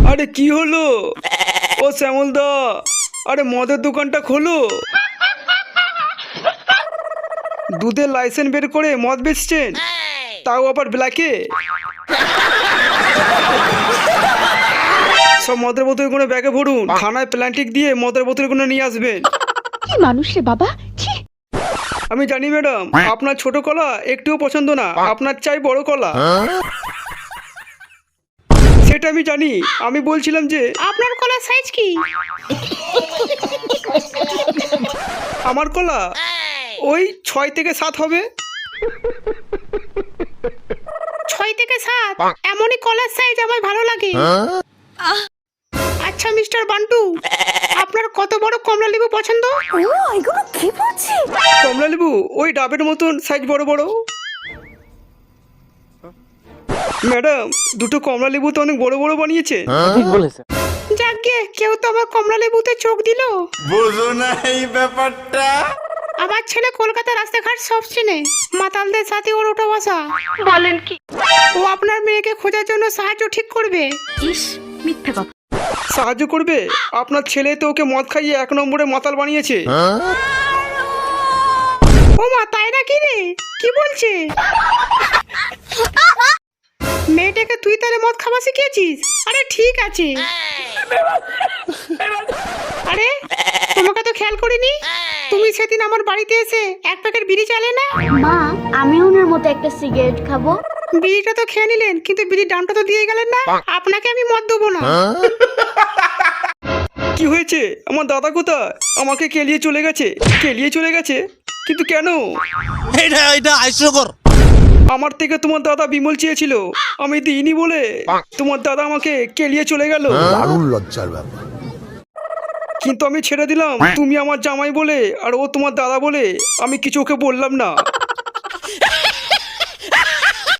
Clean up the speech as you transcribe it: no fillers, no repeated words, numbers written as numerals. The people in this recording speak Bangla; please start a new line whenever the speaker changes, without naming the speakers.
আরে কি হলো? ও শ্যামল দা, আরে মদের দোকানটা খোলো। দুধের লাইসেন্স বের করে মদ বেচছেন, তাও আবার ব্ল্যাকে। সব মদের বোতলগুলো ব্যাগে ভরুন, থানায় প্ল্যান্টিক দিয়ে মদের বোতলগুলো নিয়ে আসবেন।
কি মানুষ রে বাবা, ছি।
আমি জানি ম্যাডাম, আপনার ছোট কলা একটুও পছন্দ না, আপনার চাই বড় কলা। সেটা আমি জানি, আমি বলছিলাম যে
আপনার কলার সাইজ কি?
আমার কলা ওই 6 থেকে 7 হবে।
6 থেকে 7? এমনই কলার সাইজ আমার ভালো লাগে। আচ্ছা মিস্টার বান্টু, আপনার কত বড় কমলা লেবু পছন্দ?
ও এগুলো কি বলছি?
কমলা লেবু ওই ডাবের মতন সাইজ বড় বড়। ম্যাডাম, দুটো কমলা লেবু তো অনেক বড় বড় বানিয়েছে।
যাকগে, কেউ তো আমার কমলা লেবুতে চোখ দিল।
বুঝো না এই ব্যাপারটা।
আমার ছেলে কলকাতা রাস্তাঘাট সব চেনে, মাতালদের সাথে ওর ওঠা বসা। বলেন কি? ও আপনার মেয়েকে খোঁজার জন্য সাহায্য ঠিক করবে। ইস, মিথ্যে কথা।
সাহায্য করবে? আপনার ছেলে তো ওকে মদ খাইয়ে 1 নম্বরে মাতাল বানিয়েছে।
ও মা, তাই নাকি রে? কি বলছে? মেয়েটাকে তুই তাহলে মদ খাওয়া শিখিয়েছিস? আরে ঠিক আছে। আরে তোমাকে তো খেয়াল করিনি, তুমি সেদিন আমার বাড়িতে এসে 1 প্যাকেট বিড়ি চালে না?
মা, আমি ওনার মতো একটা সিগারেট খাবো।
বিড়িটা তো খেয়ে নিলেন, কিন্তু বিড়ির দামটা তো দিয়ে গেলেন না। আপনাকে আমি মদ দেবো না।
কি হয়েছে? আমার দাদা কোথায়? আমাকে কেলিয়ে চলে গেছে। কেলিয়ে চলে গেছে? কিন্তু কেন?
এটা হাস্যকর।
আমার থেকে তোমার দাদা বিমল চেয়েছিল, আমি দিইনি বলে তোমার দাদা আমাকে কেলিয়ে চলে গেল।
দারুণ লজ্জার ব্যাপার।
কিন্তু আমি ছেড়ে দিলাম, তুমি আমার জামাই বলে আর ও তোমার দাদা বলে আমি কিছু ওকে বললাম না।